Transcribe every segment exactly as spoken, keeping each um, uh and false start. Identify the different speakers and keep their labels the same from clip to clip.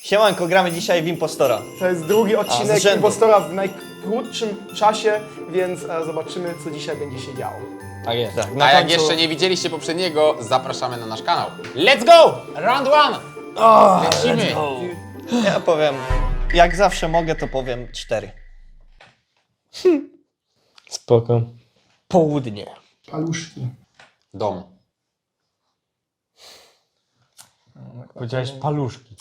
Speaker 1: Siemanko, gramy dzisiaj w Impostora.
Speaker 2: To jest drugi odcinek
Speaker 1: rzędu.
Speaker 2: Impostora w najkrótszym czasie, więc e, zobaczymy, co dzisiaj będzie się działo.
Speaker 3: Tak jest.
Speaker 1: Tak,
Speaker 3: Tak.
Speaker 1: na
Speaker 4: A jak
Speaker 1: końcu-
Speaker 4: jeszcze nie widzieliście poprzedniego, zapraszamy na nasz kanał. Let's go! Round one! Lecimy!
Speaker 1: Ja powiem, jak zawsze mogę, to powiem cztery.
Speaker 3: Spoko. Południe.
Speaker 2: Paluszki.
Speaker 4: Dom.
Speaker 3: Powiedziałeś paluszki.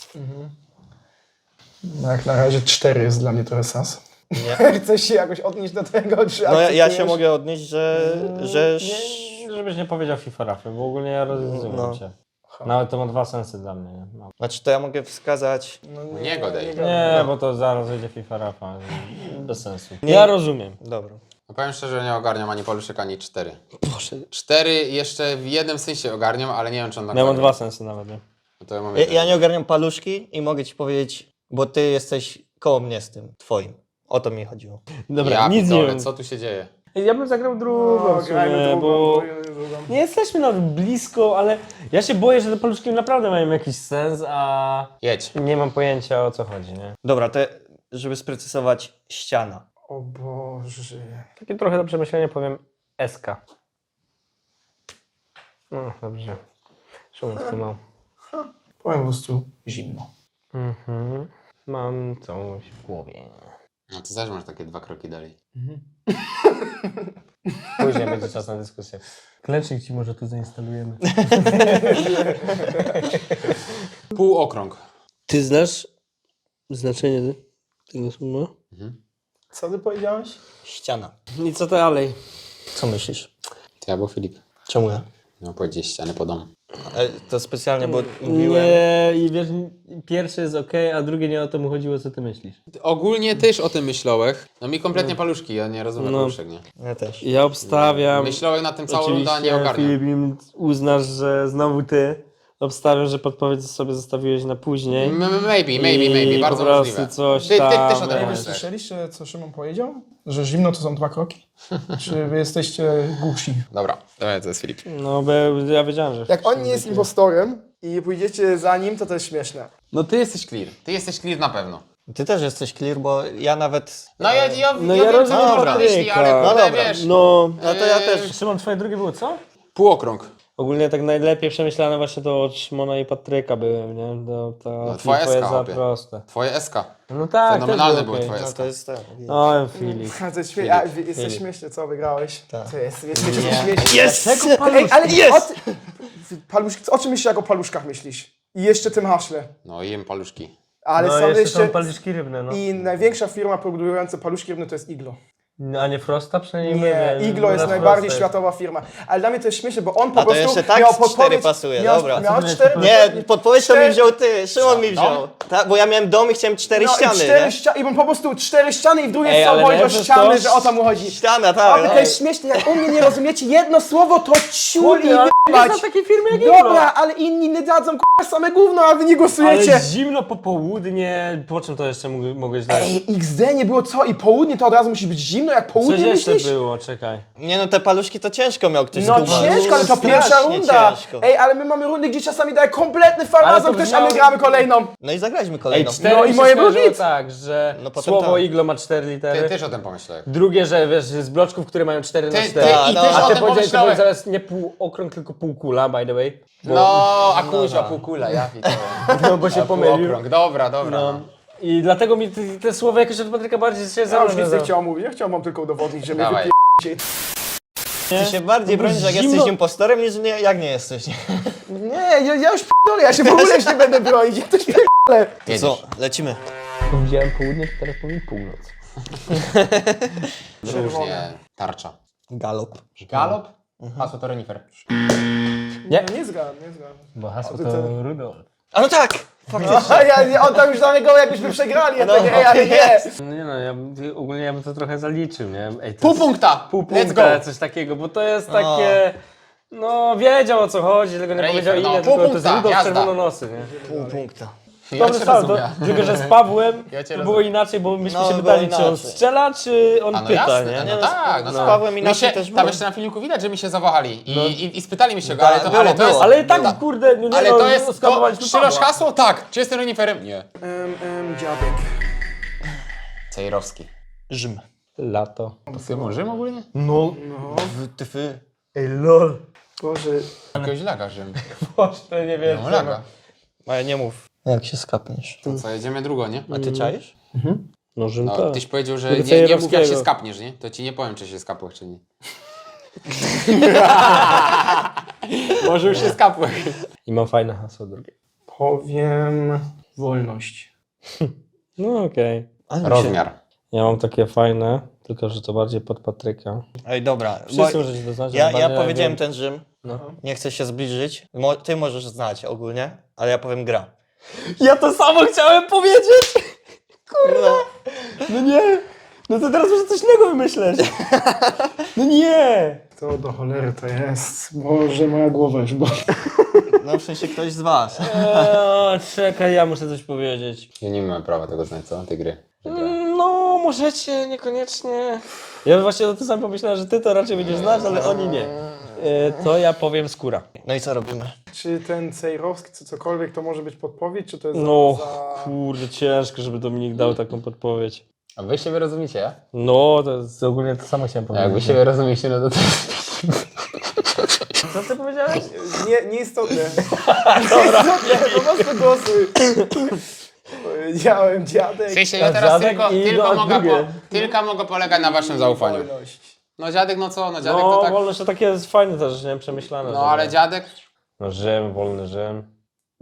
Speaker 2: No jak na razie cztery jest dla mnie trochę sas.
Speaker 1: Nie.
Speaker 2: Chcesz się jakoś odnieść do tego, czy
Speaker 1: No ja, ja się
Speaker 2: akceptujesz?
Speaker 1: mogę odnieść, że... że...
Speaker 3: Nie, żebyś nie powiedział FIFA Rafy, bo ogólnie ja rozumiem
Speaker 1: No.
Speaker 3: cię. Nawet to ma dwa sensy dla mnie. Nie, no.
Speaker 1: Znaczy to ja mogę wskazać...
Speaker 2: No
Speaker 4: Nie godaj.
Speaker 3: nie bo to zaraz wyjdzie FIFA Rafa. Bez sensu.
Speaker 1: Nie.
Speaker 3: Ja rozumiem.
Speaker 1: Dobra.
Speaker 4: No powiem szczerze, nie ogarniam ani paluszek, ani cztery.
Speaker 3: Proszę.
Speaker 4: Cztery jeszcze w jednym sensie ogarniam, ale nie wiem, czy on na
Speaker 3: Ja mam
Speaker 4: koniec.
Speaker 3: dwa sensy nawet, nie?
Speaker 4: No to ja mam
Speaker 1: Ja,
Speaker 4: jeden.
Speaker 1: ja nie ogarniam paluszki i mogę ci powiedzieć, bo ty jesteś koło mnie z tym, twoim. O to mi chodziło.
Speaker 3: Dobra,
Speaker 4: ja
Speaker 3: nic nie
Speaker 4: pitole,
Speaker 3: wiem.
Speaker 4: co tu się dzieje?
Speaker 3: Ja bym zagrał drugą
Speaker 2: No,
Speaker 3: w sumie,
Speaker 2: grajmy drugą,
Speaker 3: bo...
Speaker 2: drugą.
Speaker 3: Nie jesteśmy nawet blisko, ale ja się boję, że te paluszki naprawdę mają jakiś sens, a
Speaker 4: Jedź.
Speaker 3: nie mam pojęcia, o co chodzi, nie?
Speaker 1: Dobra, to żeby sprecyzować, ściana.
Speaker 2: O Boże.
Speaker 3: Takie trochę do przemyślenia powiem S K. No dobrze. Szumów tu mam.
Speaker 2: Powiem po prostu zimno.
Speaker 3: Mhm. Mam coś w głowie.
Speaker 4: No to zaś masz takie dwa kroki dalej.
Speaker 3: Później będzie czas na dyskusję. Klecznik ci może tu zainstalujemy.
Speaker 4: Półokrąg.
Speaker 5: Ty znasz znaczenie tego słowa?
Speaker 2: Co ty powiedziałeś?
Speaker 1: Ściana.
Speaker 5: I co dalej?
Speaker 1: Co myślisz?
Speaker 4: Ty albo Filip.
Speaker 1: Czemu ja?
Speaker 4: No powiedzieć ściany po domu.
Speaker 1: E, To specjalnie, bo mówiłem...
Speaker 3: Nie, i wiesz, pierwsze jest ok, a drugie nie o to mu chodziło, co ty myślisz.
Speaker 4: Ogólnie też o tym myślałem. No mi kompletnie paluszki, ja nie rozumiem
Speaker 5: No.
Speaker 4: paluszek, nie?
Speaker 1: Ja też.
Speaker 5: Ja obstawiam.
Speaker 4: Myślałem nad tym całą rundę, a nie
Speaker 3: Oczywiście,
Speaker 4: ogarniam.
Speaker 3: Filip, im uznasz, że znowu ty. Obstawiam, że podpowiedź sobie zostawiłeś na później.
Speaker 4: M- Maybe, maybe,
Speaker 3: I
Speaker 4: maybe, bardzo
Speaker 3: po prostu
Speaker 4: możliwe.
Speaker 3: coś
Speaker 4: ty, ty
Speaker 3: tam,
Speaker 4: też o tym
Speaker 3: wiesz.
Speaker 2: Wy
Speaker 4: pomyślałeś.
Speaker 2: słyszeliście, co Szymon powiedział? Że zimno to są dwa kroki? Czy wy jesteście głusi?
Speaker 4: Dobra, to jest Filip.
Speaker 3: No, bo ja wiedziałem, że...
Speaker 2: Jak on nie jest impostorem i pójdziecie za nim, to to jest śmieszne.
Speaker 4: No ty jesteś clear. Ty jesteś clear na pewno.
Speaker 1: Ty też jesteś clear, bo ja nawet...
Speaker 4: No ja, ja,
Speaker 3: No
Speaker 4: ja,
Speaker 3: ja
Speaker 4: wiem,
Speaker 3: rozumiem
Speaker 4: co
Speaker 1: dobra.
Speaker 4: mam myśli, ale
Speaker 3: No
Speaker 4: kurde,
Speaker 1: dobra.
Speaker 4: wiesz.
Speaker 3: No,
Speaker 1: No to ja też...
Speaker 3: Szymon, twoje drugie było co?
Speaker 4: Półokrąg.
Speaker 3: Ogólnie tak najlepiej przemyślane właśnie to od Szymona i Patryka byłem, nie? To, to
Speaker 4: No, twoja
Speaker 3: Filip, to jest
Speaker 4: eska,
Speaker 3: za
Speaker 4: chłopie.
Speaker 3: proste.
Speaker 4: Twoje S K.
Speaker 3: No tak,
Speaker 4: Fenomenalne
Speaker 3: też
Speaker 4: były
Speaker 3: było
Speaker 4: twoje
Speaker 1: No
Speaker 4: S K.
Speaker 1: to jest tak.
Speaker 3: O, Filip.
Speaker 2: A, to jest śmie- a,
Speaker 4: Filip,
Speaker 2: wy- jesteś
Speaker 1: Filip.
Speaker 2: śmieszny, co wygrałeś?
Speaker 1: Tak.
Speaker 2: To jest, jesteś
Speaker 1: Nie.
Speaker 2: śmieszny.
Speaker 1: Yes!
Speaker 2: Ej, ale o, ty, paluszki, o czym myślisz, jak o paluszkach myślisz? I jeszcze tym haśle.
Speaker 4: No jem paluszki.
Speaker 2: Ale
Speaker 3: No
Speaker 2: są
Speaker 3: jeszcze
Speaker 2: jeszcze...
Speaker 3: są paluszki rybne, no.
Speaker 2: I największa firma produkująca paluszki rybne to jest Iglo.
Speaker 3: A nie Frosta przynajmniej?
Speaker 2: Nie,
Speaker 3: my,
Speaker 2: Iglo jest
Speaker 3: na
Speaker 2: najbardziej
Speaker 3: Frosta
Speaker 2: światowa firma. Ale dla mnie to jest śmieszne, bo on po
Speaker 1: A to
Speaker 2: prostu
Speaker 1: jeszcze tak
Speaker 2: miał
Speaker 1: z cztery
Speaker 2: podpowiedź...
Speaker 1: pasuje,
Speaker 2: miał,
Speaker 1: dobra.
Speaker 2: Miał
Speaker 3: Co ty
Speaker 2: cztery...
Speaker 1: Nie, podpowiedź to mi
Speaker 2: cztery-
Speaker 1: wziął ty, Szymon mi
Speaker 4: Dom?
Speaker 1: wziął. Tak, bo ja miałem dom i chciałem cztery
Speaker 2: No,
Speaker 1: ściany,
Speaker 2: i cztery
Speaker 1: nie?
Speaker 2: ściany, i on po prostu cztery ściany i w drugiej
Speaker 3: Ej,
Speaker 2: są
Speaker 3: ale
Speaker 2: powiedział
Speaker 3: najpierw
Speaker 2: ściany,
Speaker 3: to-
Speaker 2: że o to mu chodzi.
Speaker 1: Ściana,
Speaker 2: A
Speaker 1: tak.
Speaker 2: to
Speaker 1: no.
Speaker 2: jest śmieszne, jak u mnie nie rozumiecie jedno słowo, to ciul i
Speaker 3: ale nie
Speaker 2: jebać.
Speaker 3: znam takiej firmy jak Iglo.
Speaker 2: Dobra, ale inni nie dadzą k***a same gówno, a wy nie
Speaker 3: Ale
Speaker 2: głosujecie.
Speaker 3: zimno popołudnie, po czym to jeszcze mógł- mogłeś dać?
Speaker 2: Ej, X D nie było co i południe to od razu musi być zimno, jak
Speaker 3: Coś
Speaker 2: południe
Speaker 3: jeszcze
Speaker 2: myślisz?
Speaker 3: było, czekaj.
Speaker 1: Nie no, te paluszki to ciężko miał ktoś
Speaker 2: No
Speaker 1: skumać.
Speaker 2: ciężko, ale to
Speaker 1: Strasznie
Speaker 2: pierwsza runda.
Speaker 1: ciężko.
Speaker 2: Ej, ale my mamy rundy, gdzie czasami daje kompletny
Speaker 3: Ale
Speaker 2: farmazon
Speaker 3: to
Speaker 2: ktoś, a my
Speaker 3: brzmiało-
Speaker 2: gramy kolejną.
Speaker 1: No i zagraliśmy
Speaker 3: Ej,
Speaker 1: kolejną.
Speaker 3: cztery
Speaker 2: No
Speaker 3: no
Speaker 2: i
Speaker 3: i
Speaker 2: moje
Speaker 3: moje
Speaker 2: był hit.
Speaker 3: tak, że
Speaker 1: No potem
Speaker 3: słowo
Speaker 1: tak.
Speaker 3: Iglo ma cztery
Speaker 4: Ty
Speaker 3: litery.
Speaker 4: też o tym pomyślałem.
Speaker 3: Drugie, że wiesz, z bloczków, które mają cztery na
Speaker 4: Ty, ty
Speaker 3: cztery.
Speaker 4: i
Speaker 1: no,
Speaker 4: też
Speaker 1: a
Speaker 4: o
Speaker 3: A ty
Speaker 4: tym
Speaker 3: powiedziałeś, ty
Speaker 4: pomyślałem.
Speaker 3: powiedziałeś zaraz nie półokrąg, tylko półkula, by the way. Bo,
Speaker 4: No, a kuźwa półkula, ja widzę.
Speaker 3: no, bo się pomylił.
Speaker 4: Półokrąg, dobra, dobra.
Speaker 3: No. I dlatego mi te, te słowa jakoś od Patryka bardziej się
Speaker 2: Ja już
Speaker 3: zawiązały.
Speaker 2: nic nie chciałem mówić, ja chciałem wam tylko udowodnić, że mnie
Speaker 4: Dawaj.
Speaker 1: Ty się bardziej
Speaker 3: No bo
Speaker 1: bronisz, jak
Speaker 3: zimno-
Speaker 1: jesteś impostorem, niż nie, jak nie jesteś.
Speaker 2: Nie, ja, ja już p***dolę, ja się w ogóle już nie będę bronić, ja też p***dolę.
Speaker 4: Jedziesz.
Speaker 1: Co, lecimy.
Speaker 3: Powiedziałem południe, to teraz powiem północ.
Speaker 4: Różnie. Tarcza.
Speaker 1: Galop.
Speaker 4: Galop? Hasło to renifer.
Speaker 3: Nie.
Speaker 2: Nie zgadzam, nie zgadzam.
Speaker 3: Bo hasło
Speaker 2: ty
Speaker 3: to
Speaker 2: co?
Speaker 3: Rudolf.
Speaker 1: A no tak! Faktycznie.
Speaker 2: A ja, ja, on tam już damy go, jakbyśmy przegrali, ja
Speaker 1: No,
Speaker 2: takie, ej, ale nie.
Speaker 1: jest.
Speaker 3: No nie no, ja, bym- ogólnie ja bym to trochę zaliczył, nie? Ej, to
Speaker 4: Pół
Speaker 3: jest-
Speaker 4: punkta!
Speaker 3: Pół
Speaker 4: Let's
Speaker 3: punkta,
Speaker 4: go!
Speaker 3: coś takiego, bo to jest takie... No wiedział o co chodzi, tylko nie
Speaker 4: Renifer,
Speaker 3: powiedział
Speaker 4: no,
Speaker 3: ile,
Speaker 4: pół
Speaker 3: tylko to jest
Speaker 4: punkta,
Speaker 3: Rudolf
Speaker 4: jazda.
Speaker 3: czerwononosy, nie?
Speaker 1: Pół punkta.
Speaker 4: Ja
Speaker 3: Dobry
Speaker 4: cię
Speaker 3: strzał, to,
Speaker 4: rozumiem.
Speaker 3: tylko że z Pawłem
Speaker 4: Ja cię
Speaker 3: to było
Speaker 4: rozumiem.
Speaker 3: inaczej, bo myśmy
Speaker 1: No,
Speaker 3: się
Speaker 1: było
Speaker 3: pytali, czy on
Speaker 1: inaczej.
Speaker 3: strzela, czy on
Speaker 4: A no
Speaker 3: pyta,
Speaker 4: jasne,
Speaker 3: nie?
Speaker 4: no,
Speaker 1: Nie, no,
Speaker 4: tak, no
Speaker 1: z
Speaker 4: tak.
Speaker 1: Pawłem
Speaker 4: Mi
Speaker 1: inaczej
Speaker 4: się,
Speaker 1: też
Speaker 4: tam
Speaker 1: było.
Speaker 4: jeszcze na filmiku widać, że mi się zawahali i,
Speaker 3: No.
Speaker 4: i, i spytali mi się go,
Speaker 1: Tak,
Speaker 4: ale to,
Speaker 1: było,
Speaker 4: ale to jest...
Speaker 1: było.
Speaker 3: Ale i tak, kurde, no nie
Speaker 4: Ale
Speaker 3: no,
Speaker 4: to jest, to,
Speaker 3: skapowaliśmy
Speaker 4: strzelasz
Speaker 3: Pawła.
Speaker 4: hasło? Tak. Czy jestem reniferem? Nie.
Speaker 2: Em, em, dziadek.
Speaker 4: Cejrowski.
Speaker 1: Rzym.
Speaker 3: Lato.
Speaker 4: Pasujemy Rzym ogólnie?
Speaker 3: No,
Speaker 2: No,
Speaker 1: W, tyfy.
Speaker 3: ej lol.
Speaker 2: Boże.
Speaker 4: Jakiegoś laga Rzym.
Speaker 3: Boże, to nie wiem.
Speaker 4: No laga.
Speaker 1: Ale nie mów. Jak się skapniesz.
Speaker 4: To co, jedziemy drugo, nie?
Speaker 1: A ty czaisz?
Speaker 3: No, Rzym
Speaker 4: No,
Speaker 3: tak.
Speaker 4: tyś powiedział, że
Speaker 3: Tego
Speaker 4: nie, nie mów jak się
Speaker 3: Cejrowskiego.
Speaker 4: skapniesz, nie? To ci nie powiem, czy się skapłeś, czy nie. Może już się skapłeś.
Speaker 3: I mam fajne hasło drugie.
Speaker 2: Powiem wolność.
Speaker 3: No okej.
Speaker 1: Ale mi się-
Speaker 4: Rozmiar.
Speaker 3: Ja mam takie fajne, tylko że to bardziej pod Patryka.
Speaker 1: Ej, dobra. Bo
Speaker 3: Wszyscy możecie to znać.
Speaker 1: ja,
Speaker 3: ale
Speaker 1: ja
Speaker 3: nie
Speaker 1: powiedziałem
Speaker 3: wiem.
Speaker 1: ten Rzym.
Speaker 3: No.
Speaker 1: Nie chcę się zbliżyć. Mo, ty możesz znać ogólnie, ale ja powiem gra.
Speaker 3: Ja to samo chciałem powiedzieć!
Speaker 1: Kurwa.
Speaker 3: No nie! No to teraz muszę coś innego wymyśleć. No nie!
Speaker 2: To do cholery to jest. Boże, moja głowa już boli.
Speaker 1: No w sensie ktoś z was.
Speaker 3: Eee, czekaj, ja muszę coś powiedzieć.
Speaker 4: Ja nie mamy prawa tego znać, co? Ty gry. Że gra.
Speaker 3: No, możecie, niekoniecznie. Ja właśnie o tym samym pomyślałem, że ty to raczej będziesz znać, ale oni nie. Eee, to ja powiem skóra.
Speaker 1: No i co robimy?
Speaker 2: Czy ten Cejrowski, czy cokolwiek, to może być podpowiedź, czy to jest
Speaker 3: No,
Speaker 2: za...
Speaker 3: kurde, ciężko, żeby Dominik dał taką podpowiedź.
Speaker 4: A wy siebie rozumiecie, ja?
Speaker 3: No, to jest ogólnie to samo chciałem
Speaker 4: A
Speaker 3: powiedzieć.
Speaker 4: jak wy siebie rozumiecie, no to... to...
Speaker 3: Co ty powiedziałeś?
Speaker 2: Nie, nieistotne. Nieistotne, po prostu głosuj. Powiedziałem dziadek.
Speaker 4: W sensie ja
Speaker 3: A
Speaker 4: teraz
Speaker 3: dziadek
Speaker 4: tylko,
Speaker 3: i
Speaker 4: tylko,
Speaker 3: no,
Speaker 4: mogę
Speaker 3: drugie.
Speaker 4: po, tylko mogę polegać na waszym zaufaniu.
Speaker 2: Wolność.
Speaker 4: No dziadek, no co? No dziadek
Speaker 3: No,
Speaker 4: to tak...
Speaker 3: wolność to takie jest fajne też, nie? Przemyślane.
Speaker 4: No
Speaker 3: że-
Speaker 4: ale dziadek...
Speaker 3: No Rzym, wolny Rzym.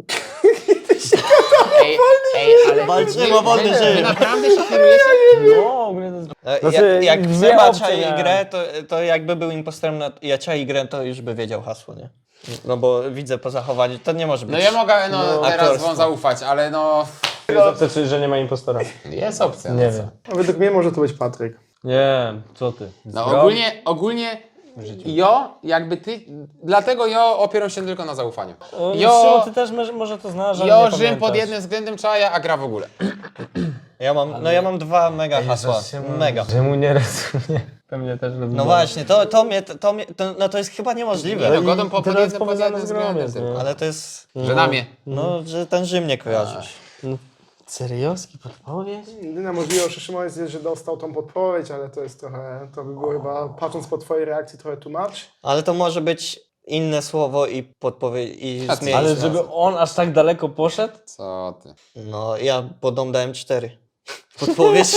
Speaker 4: Ej, ej, ale...
Speaker 1: Walczymy
Speaker 4: wy-
Speaker 1: o wolny
Speaker 4: wy-
Speaker 1: Rzym.
Speaker 4: Wy naprawdę się kierujecie?
Speaker 3: No, ogólnie to jest...
Speaker 1: E,
Speaker 3: Znaczy,
Speaker 1: jak jak
Speaker 3: dwie
Speaker 1: Seba
Speaker 3: opcje
Speaker 1: czai
Speaker 3: miałem.
Speaker 1: grę, to, to jakby był impostorem na ja czai grę, to już by wiedział hasło, nie? No bo widzę po zachowaniu, to nie może być.
Speaker 4: No ja mogę no,
Speaker 1: No,
Speaker 4: teraz
Speaker 1: aktorstwo.
Speaker 4: wam zaufać, ale no...
Speaker 3: Jest opcja, czyli że nie ma impostora.
Speaker 4: Jest opcja.
Speaker 3: Nie
Speaker 4: no co?
Speaker 3: wiem.
Speaker 2: No, według mnie może to być Patryk.
Speaker 3: Nie, co ty?
Speaker 4: No
Speaker 3: Zdrow-
Speaker 4: ogólnie, ogólnie jo, jakby ty, dlatego jo opieram się tylko na zaufaniu.
Speaker 3: O,
Speaker 4: Jo,
Speaker 3: Szymon, ty też może, może to znasz, ale
Speaker 4: jo
Speaker 3: nie
Speaker 4: Rzym
Speaker 3: pamiętasz.
Speaker 4: pod jednym względem czaja, a gra w ogóle.
Speaker 1: Ja mam, no ja mam dwa mega hasła. Mega.
Speaker 3: Rzymu nie rozumie. Pewnie też rozumie.
Speaker 1: No właśnie, to, to mnie, to mnie, to, no to jest chyba niemożliwe.
Speaker 4: Nie, no godą po,
Speaker 3: to
Speaker 4: pod
Speaker 3: jest
Speaker 4: jednym, pod
Speaker 3: powiązane
Speaker 4: jednym
Speaker 3: z grą
Speaker 4: względem
Speaker 3: jest,
Speaker 4: tylko.
Speaker 3: nie?
Speaker 1: Ale to jest,
Speaker 4: Że na mnie.
Speaker 1: no, że ten Rzym nie kojarzysz.
Speaker 3: Seriowski podpowiedź?
Speaker 2: Jedyna możliwość, że Szymon jest, że dostał tą podpowiedź, ale to jest trochę, to by było chyba, patrząc po twojej reakcji, trochę tłumacz.
Speaker 1: Ale to może być inne słowo i podpowiedź i
Speaker 4: A co?
Speaker 1: zmienić
Speaker 3: Ale
Speaker 1: nazwę.
Speaker 3: żeby on aż tak daleko poszedł?
Speaker 4: Co ty?
Speaker 1: No ja podam dałem cztery. Podpowiedź.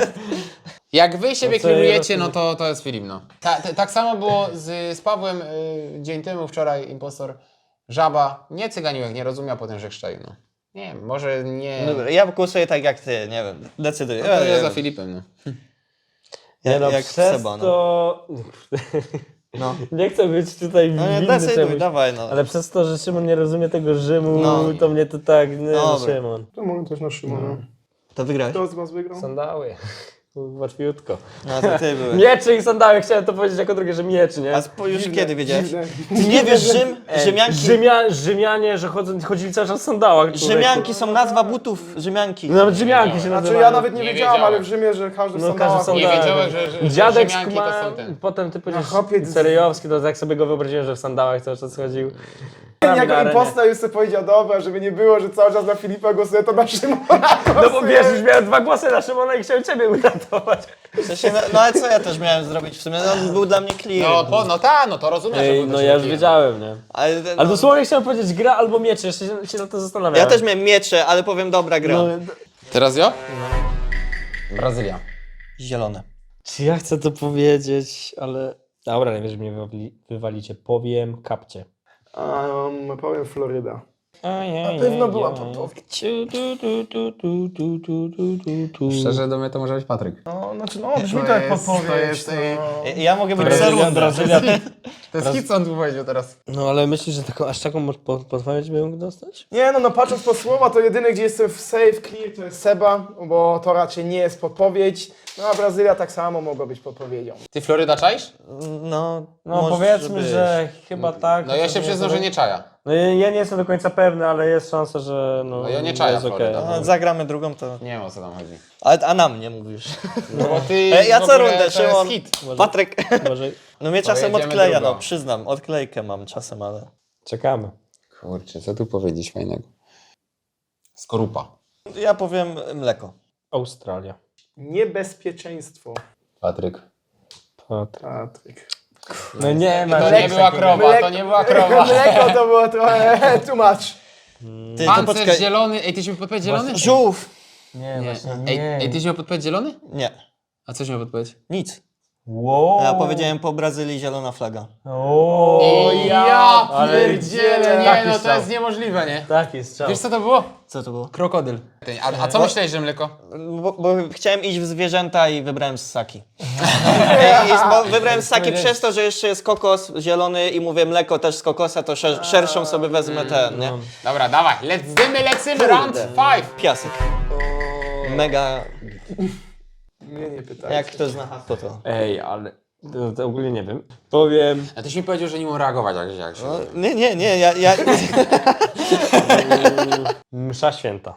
Speaker 4: Jak wy siebie
Speaker 3: No co
Speaker 4: kierujecie,
Speaker 3: ja
Speaker 4: no to, to jest film, no. Ta, ta, tak samo było z, z Pawłem y, dzień temu, wczoraj, impostor Żaba. Nie cyganiłek, nie rozumiał potem, że chrzczaił, no. Nie wiem, może nie...
Speaker 1: Dobra, ja głosuję tak jak ty, nie wiem, decyduję.
Speaker 4: No to
Speaker 1: ja,
Speaker 4: ja
Speaker 1: ja,
Speaker 4: za Filipem, no.
Speaker 1: ja,
Speaker 3: Nie no,
Speaker 1: jak
Speaker 3: przez
Speaker 1: Seba, no.
Speaker 3: to...
Speaker 1: No,
Speaker 3: Nie chcę być tutaj
Speaker 1: no nie,
Speaker 3: winny
Speaker 1: decyduj,
Speaker 3: czemuś.
Speaker 1: dawaj no.
Speaker 3: Ale przez to, że Szymon nie rozumie tego Rzymu,
Speaker 1: No.
Speaker 3: to mnie to tak... Nie, no,
Speaker 1: Dobra.
Speaker 3: Szymon.
Speaker 2: To mówię też na Szymona.
Speaker 1: To wygrałeś?
Speaker 2: Kto z was wygrał?
Speaker 3: Sandały. Łatwiutko.
Speaker 1: No to ty byłeś.
Speaker 3: Mieczy i sandały, chciałem to powiedzieć jako drugie, że mieczy, nie?
Speaker 1: A spo, już kiedy wiedziałeś?
Speaker 2: Dziwne.
Speaker 1: Ty nie wiesz, Rzym,
Speaker 3: Ej,
Speaker 1: Rzymianki,
Speaker 3: Rzymia, Rzymianie, że chodzą, chodzili cały czas w sandałach. człowieku.
Speaker 1: Rzymianki są nazwa butów, Rzymianki.
Speaker 3: Nawet Rzymianki się
Speaker 2: Znaczy
Speaker 3: nazywają.
Speaker 2: ja nawet nie,
Speaker 4: Nie
Speaker 2: wiedziałam,
Speaker 4: wiedziałem.
Speaker 2: ale w Rzymie, że każdy w
Speaker 3: No,
Speaker 2: sandałach.
Speaker 3: każdy
Speaker 4: Nie
Speaker 3: Tak.
Speaker 4: wiedziałem, że, że, że
Speaker 3: Dziadek
Speaker 4: Rzymianki to
Speaker 3: skuma...
Speaker 4: są ten.
Speaker 3: Potem ty powiedziałeś
Speaker 2: chłopiec-
Speaker 3: Seryjowski, to jak sobie go wyobraziłem, że w sandałach cały czas chodził.
Speaker 2: Jako
Speaker 3: Na arenie.
Speaker 2: impostor już sobie powiedział, dobra, żeby nie było, że cały czas na Filipa głosuję, to na Szymona.
Speaker 3: No bo wiesz, już miałem dwa głosy na Szymona i chciałem ciebie uratować.
Speaker 1: W sensie, no, no ale co ja też miałem zrobić w sumie? No, on był dla mnie clear.
Speaker 4: No, po, no ta, no to rozumiem, że
Speaker 3: Ej,
Speaker 4: był
Speaker 3: no
Speaker 4: też
Speaker 3: ja już
Speaker 4: taki-
Speaker 3: wiedziałem, nie?
Speaker 1: Ale, no,
Speaker 3: Ale dosłownie chciałem powiedzieć gra albo miecze, jeszcze się, się na to zastanawiałem.
Speaker 1: ja też miałem miecze, ale powiem dobra gra.
Speaker 3: No,
Speaker 4: Teraz jo? Brazylia.
Speaker 1: Zielone.
Speaker 3: czy ja chcę to powiedzieć, ale... Dobra, nie wiesz, że mnie wywali, wywalicie. Powiem kapcie.
Speaker 2: Um, powiem Floryda.
Speaker 3: Na
Speaker 2: pewno była podpowiedź.
Speaker 4: Szczerze, do mnie to może być Patryk.
Speaker 2: No, znaczy, no, brzmi to jak
Speaker 4: jest-
Speaker 2: podpowiedź.
Speaker 4: to jest,
Speaker 2: no.
Speaker 1: Ja- Ja mogę być
Speaker 3: Brazylia,
Speaker 1: Serunda.
Speaker 3: Brazylia.
Speaker 4: To jest hit, co on tu powiedział teraz.
Speaker 3: No ale myślisz, że taką, aż taką po- podpowiedź bym mógł dostać?
Speaker 2: Nie no, no patrząc po słowa, to jedyny, gdzie jestem w safe, clear, to jest Seba, bo to raczej nie jest podpowiedź. No a Brazylia tak samo mogła być podpowiedzią.
Speaker 4: Ty Floryda czaisz?
Speaker 1: No,
Speaker 3: No
Speaker 1: może
Speaker 3: powiedzmy,
Speaker 1: być.
Speaker 3: że chyba tak.
Speaker 4: No ja się
Speaker 3: chociaż
Speaker 4: przyznam, że nie czaja.
Speaker 3: No ja, ja nie jestem do końca pewny, ale jest szansa, że no,
Speaker 4: No ja nie czaję
Speaker 3: jest okej.
Speaker 4: Floryda.
Speaker 1: No, zagramy drugą, to...
Speaker 4: Nie wiem, o co tam chodzi.
Speaker 1: A, a na mnie mówisz.
Speaker 4: No bo ty
Speaker 1: E, ja
Speaker 4: w
Speaker 1: co
Speaker 4: ogóle
Speaker 1: rundę,
Speaker 4: to
Speaker 1: Szymon.
Speaker 4: jest hit.
Speaker 1: Patryk.
Speaker 3: Może
Speaker 1: No mnie czasem
Speaker 4: jedziemy
Speaker 1: odkleja,
Speaker 4: drugą.
Speaker 1: no przyznam. Odklejkę mam czasem, ale...
Speaker 3: czekamy.
Speaker 4: Kurczę, co tu powiedzieć fajnego? Skorupa.
Speaker 1: Ja powiem mleko.
Speaker 3: Australia.
Speaker 2: Niebezpieczeństwo.
Speaker 4: Patryk.
Speaker 3: Patryk.
Speaker 2: Patryk.
Speaker 3: No nie ma.
Speaker 4: To
Speaker 3: czegoś
Speaker 4: nie była
Speaker 3: takiego.
Speaker 4: krowa, to nie była krowa.
Speaker 2: Mleko to było trochę too much.
Speaker 1: Ty, to
Speaker 4: Pancerz
Speaker 1: poczekaj.
Speaker 4: zielony. Ej, tyś miał podpowiedź zielony?
Speaker 1: Żółw!
Speaker 3: Nie,
Speaker 4: Nie.
Speaker 3: właśnie
Speaker 4: Ej,
Speaker 3: nie.
Speaker 4: ej, tyś miał podpowiedź zielony?
Speaker 1: Nie,
Speaker 4: A coś miał podpowiedź?
Speaker 1: nic.
Speaker 3: Wow.
Speaker 1: Ja powiedziałem po Brazylii zielona flaga.
Speaker 3: O,
Speaker 4: ja
Speaker 3: ale
Speaker 4: pierdzielę, nie
Speaker 3: taki
Speaker 4: no to
Speaker 3: strzał.
Speaker 4: jest niemożliwe, nie?
Speaker 3: Taki strzał.
Speaker 4: Wiesz co to było?
Speaker 1: Co to było?
Speaker 4: Krokodyl. A, a co myślałeś, że mleko?
Speaker 1: Bo, bo chciałem iść w zwierzęta i wybrałem ssaki. I, i, bo wybrałem ssaki przez to, że jeszcze jest kokos zielony i mówię mleko też z kokosa, to szer, szerszą sobie wezmę ten, nie?
Speaker 4: Dobra, dawaj, lecimy, lecimy, round five.
Speaker 1: Piasek. Mega...
Speaker 2: Mnie nie pytaj.
Speaker 1: Jak ktoś zna hasło to.
Speaker 3: Ej, ale to, to ogólnie nie wiem. Powiem
Speaker 4: A tyś mi powiedział, że nie mam reagować jak, jak się...
Speaker 1: No, nie, nie, nie, ja... ja...
Speaker 3: msza święta.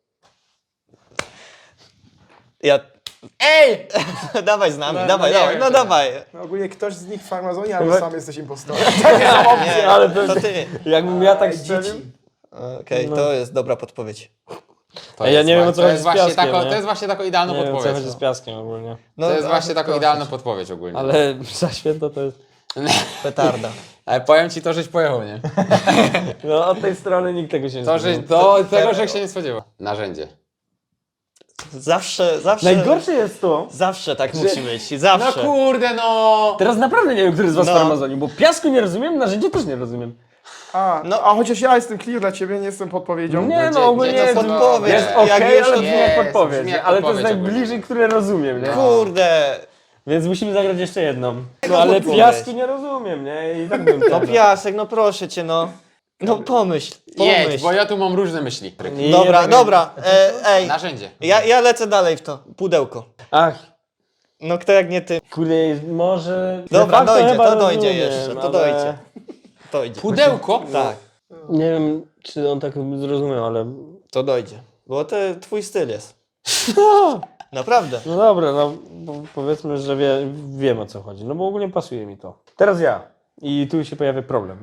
Speaker 1: ja...
Speaker 4: Ej!
Speaker 1: dawaj z nami,
Speaker 4: No,
Speaker 1: dawaj,
Speaker 4: no nie
Speaker 1: dawaj,
Speaker 4: wiem,
Speaker 1: no
Speaker 4: czy-
Speaker 1: dawaj.
Speaker 2: No, ogólnie ktoś z nich w farmazonie, albo
Speaker 3: Chyba-
Speaker 2: sam jesteś impostorem.
Speaker 1: Nie,
Speaker 3: ale
Speaker 1: to,
Speaker 3: to-
Speaker 1: to ty.
Speaker 3: Jakbym ja tak
Speaker 2: Dzieci.
Speaker 3: strzelił?
Speaker 1: Okej,
Speaker 3: No.
Speaker 1: to jest dobra podpowiedź.
Speaker 4: To
Speaker 3: Ej, ja
Speaker 4: jest
Speaker 3: nie wiem,
Speaker 4: wa-
Speaker 3: o co
Speaker 4: to
Speaker 3: chodzi
Speaker 4: jest
Speaker 3: z
Speaker 4: właśnie
Speaker 3: piaskiem,
Speaker 4: tako,
Speaker 3: nie?
Speaker 4: To jest właśnie taką idealną
Speaker 3: Nie wiem, o co
Speaker 4: podpowiedź.
Speaker 3: chodzi z piaskiem ogólnie.
Speaker 1: No,
Speaker 4: To jest
Speaker 1: a,
Speaker 4: właśnie taką
Speaker 1: proszę
Speaker 4: idealną
Speaker 1: cię.
Speaker 4: podpowiedź ogólnie.
Speaker 3: Ale msza święta to jest...
Speaker 1: Petarda.
Speaker 4: Ale powiem ci to, żeś pojechał, nie?
Speaker 3: No od tej strony nikt tego się nie
Speaker 4: To, żeś,
Speaker 3: spodziewał.
Speaker 4: do tego, że się nie spodziewał. Narzędzie.
Speaker 1: Zawsze, zawsze...
Speaker 3: Najgorsze jest to...
Speaker 1: Zawsze tak musi być,
Speaker 4: No
Speaker 1: zawsze.
Speaker 4: kurde, no!
Speaker 3: Teraz naprawdę nie wiem, który z was
Speaker 1: No.
Speaker 3: farmazonił, bo piasku nie rozumiem, narzędzie też nie rozumiem.
Speaker 2: A,
Speaker 1: No.
Speaker 2: no, a chociaż ja jestem clear dla ciebie, nie jestem podpowiedzią.
Speaker 3: Nie
Speaker 4: gdzie-
Speaker 3: no, ogólnie
Speaker 4: gdzie to
Speaker 3: jest,
Speaker 1: podpowiedź?
Speaker 3: jest
Speaker 1: Jak
Speaker 3: okej,
Speaker 1: już
Speaker 3: ale
Speaker 1: od-
Speaker 3: brzmi jak
Speaker 4: Jest,
Speaker 3: podpowiedź,
Speaker 4: brzmi jak
Speaker 3: ale to jest
Speaker 4: podpowiedź ogólnie.
Speaker 3: najbliżej, które rozumiem, nie?
Speaker 1: Kurde.
Speaker 3: Więc musimy zagrać jeszcze jedną.
Speaker 1: Tego
Speaker 3: No ale
Speaker 1: podpowiedź.
Speaker 3: piasku nie rozumiem, nie? I tak bym
Speaker 1: No
Speaker 3: ten-
Speaker 1: piasek, no proszę cię, no. No pomyśl,
Speaker 4: Jedź,
Speaker 1: pomyśl.
Speaker 4: bo ja tu mam różne myśli.
Speaker 3: I
Speaker 1: Dobra,
Speaker 3: jednak-
Speaker 1: dobra, e, ej.
Speaker 4: Narzędzie.
Speaker 1: Ja, ja lecę dalej w to, pudełko.
Speaker 3: Ach,
Speaker 1: No kto jak nie ty.
Speaker 3: kurde, może...
Speaker 1: Dobra,
Speaker 3: de facto
Speaker 1: dojdzie,
Speaker 3: chyba
Speaker 1: to dojdzie
Speaker 3: rozumiem,
Speaker 1: jeszcze, to
Speaker 3: ale
Speaker 1: dojdzie. To idzie.
Speaker 4: Pudełko?
Speaker 1: Tak,
Speaker 3: Nie wiem, czy on tak zrozumiał, ale...
Speaker 1: to dojdzie. Bo to twój styl jest. Naprawdę.
Speaker 3: No dobra, no bo powiedzmy, że wie, wiem o co chodzi, no bo ogólnie pasuje mi to. Teraz ja. I tu się pojawia problem.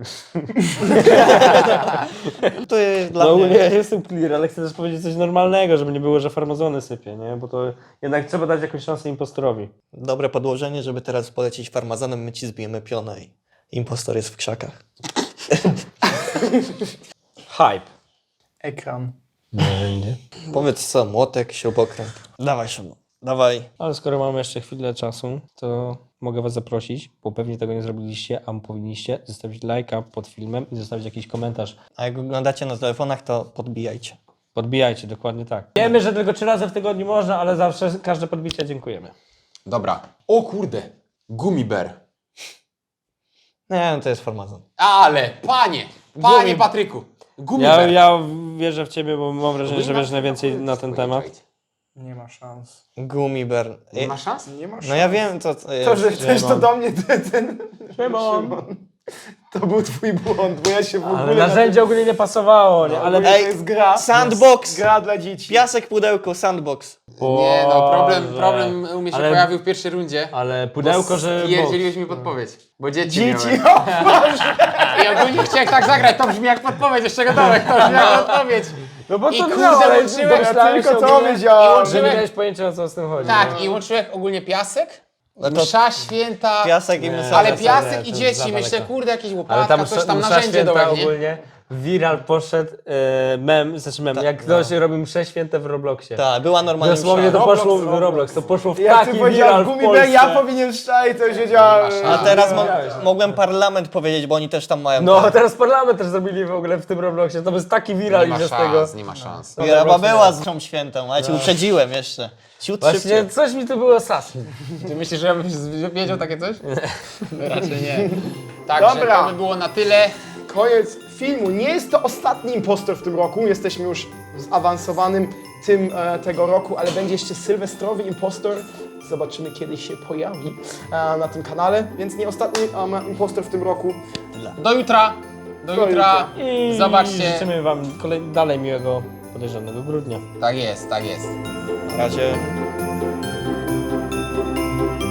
Speaker 1: To jest dla
Speaker 3: No
Speaker 1: mnie.
Speaker 3: ogólnie ja jestem clear, ale chcę też powiedzieć coś normalnego, żeby nie było, że farmazony sypie, nie? Bo to jednak trzeba dać jakąś szansę impostorowi.
Speaker 1: Dobre podłożenie, żeby teraz polecieć farmazonem, my ci zbijemy pionę i impostor jest w krzakach.
Speaker 3: Hype.
Speaker 2: Ekran.
Speaker 3: Narzędzie.
Speaker 1: Powiedz co, młotek, śrubokręt. Dawaj Szymon, dawaj.
Speaker 3: Ale skoro mamy jeszcze chwilę czasu, to mogę was zaprosić, bo pewnie tego nie zrobiliście, a powinniście zostawić lajka pod filmem i zostawić jakiś komentarz.
Speaker 1: A jak oglądacie na telefonach, to podbijajcie.
Speaker 3: Podbijajcie, dokładnie tak. Wiemy, że tylko trzy razy w tygodniu można, ale zawsze każde podbicie dziękujemy.
Speaker 4: Dobra. O kurde. Gumiber.
Speaker 1: Nie, no to jest farmazon.
Speaker 4: Ale, panie! Panie
Speaker 1: Gumi-
Speaker 4: Patryku!
Speaker 3: Ja,
Speaker 4: Gumiber.
Speaker 3: ja wierzę w ciebie, bo mam wrażenie, że wiesz najwięcej na ten temat.
Speaker 2: Nie ma szans.
Speaker 1: Gumiber.
Speaker 4: Nie ma szans?
Speaker 2: Nie ma szans.
Speaker 1: No ja wiem, to, to jest.
Speaker 2: To, że chcesz to
Speaker 3: Szymon.
Speaker 2: do mnie, ty, ten...
Speaker 3: Szymon.
Speaker 2: Szymon. To był twój błąd, bo ja się w ogóle...
Speaker 3: Ale
Speaker 2: na
Speaker 3: narzędzie ogólnie nie pasowało, nie?
Speaker 2: tym-
Speaker 3: Ale
Speaker 2: ogólnie
Speaker 1: Ej,
Speaker 2: to jest gra.
Speaker 1: sandbox.
Speaker 2: Gra dla dzieci.
Speaker 1: Piasek, pudełko, sandbox.
Speaker 4: Nie no, problem,
Speaker 3: Boże.
Speaker 4: problem u mnie się
Speaker 3: Ale-
Speaker 4: pojawił w pierwszej rundzie.
Speaker 3: Ale pudełko, że...
Speaker 4: Pierdzieliłeś mi podpowiedź, bo dzieci,
Speaker 2: Dzieci,
Speaker 4: miałem.
Speaker 2: o,
Speaker 4: I ogólnie chciałem tak zagrać, to brzmi jak podpowiedź, jeszcze gotowe, to brzmi jak podpowiedź.
Speaker 3: No bo
Speaker 4: I
Speaker 3: to
Speaker 4: kurde,
Speaker 3: no, ale
Speaker 4: łączyłem-
Speaker 3: domyślałem
Speaker 2: ja tylko
Speaker 3: się
Speaker 2: to
Speaker 3: ogólnie,
Speaker 2: wiedziałem.
Speaker 3: że nie miałeś pojęcia, o co z tym chodzi.
Speaker 4: Tak, i łączyłem ogólnie piasek,
Speaker 1: No to
Speaker 4: msza święta,
Speaker 1: piasek i
Speaker 3: Nie.
Speaker 1: msza.
Speaker 4: ale
Speaker 3: za
Speaker 4: piasek
Speaker 3: daleko,
Speaker 4: i
Speaker 3: za
Speaker 4: dzieci,
Speaker 3: daleko.
Speaker 4: myślę, kurde, jakieś
Speaker 3: Ale
Speaker 4: łopatka,
Speaker 3: tam
Speaker 4: coś tam
Speaker 3: msza
Speaker 4: narzędzie
Speaker 3: święta
Speaker 4: dołek, nie?
Speaker 3: ogólnie. Viral poszedł e, mem, znaczy mem, jak ktoś robił msze święte w Robloxie.
Speaker 1: Tak, była normalnie
Speaker 3: Dosłownie
Speaker 1: msza.
Speaker 3: to
Speaker 2: Roblox,
Speaker 3: poszło w
Speaker 2: Roblox.
Speaker 3: Roblox, to poszło w
Speaker 2: Jak
Speaker 3: taki
Speaker 2: ty
Speaker 3: viral
Speaker 2: powiedziałeś
Speaker 3: w
Speaker 2: Gumiber,
Speaker 3: Polsce.
Speaker 2: ja powinien szczaić, to już wiedziałem.
Speaker 4: Nie ma
Speaker 1: A
Speaker 4: szans.
Speaker 1: teraz mo-
Speaker 3: Wiedziałeś.
Speaker 1: mogłem parlament powiedzieć, bo oni też tam mają.
Speaker 3: No,
Speaker 1: ten.
Speaker 3: teraz parlament też zrobili w ogóle w tym Robloxie, to jest taki viral
Speaker 4: Nie
Speaker 3: i
Speaker 4: ma
Speaker 3: z tego.
Speaker 4: szans, nie ma szans.
Speaker 1: Graba była z mszą świętą, a ja ci uprzedziłem jeszcze. Ciut
Speaker 3: Właśnie
Speaker 1: szybciej.
Speaker 3: coś mi tu było sas.
Speaker 4: Ty myślisz, że ja bym wiedział takie coś? Raczej nie. Także
Speaker 2: Dobra.
Speaker 4: to by było na tyle.
Speaker 2: Koniec filmu. Nie jest to ostatni impostor w tym roku. Jesteśmy już w zaawansowanym tym e, tego roku, ale będzie jeszcze sylwestrowy impostor. Zobaczymy, kiedy się pojawi e, na tym kanale. Więc nie ostatni um, impostor w tym roku.
Speaker 4: Do jutra. Do
Speaker 2: Do
Speaker 4: jutra.
Speaker 3: I
Speaker 4: Zobaczcie.
Speaker 3: życzymy wam kolej, dalej miłego podejrzanego grudnia.
Speaker 4: Tak jest, tak jest.
Speaker 1: Na razie.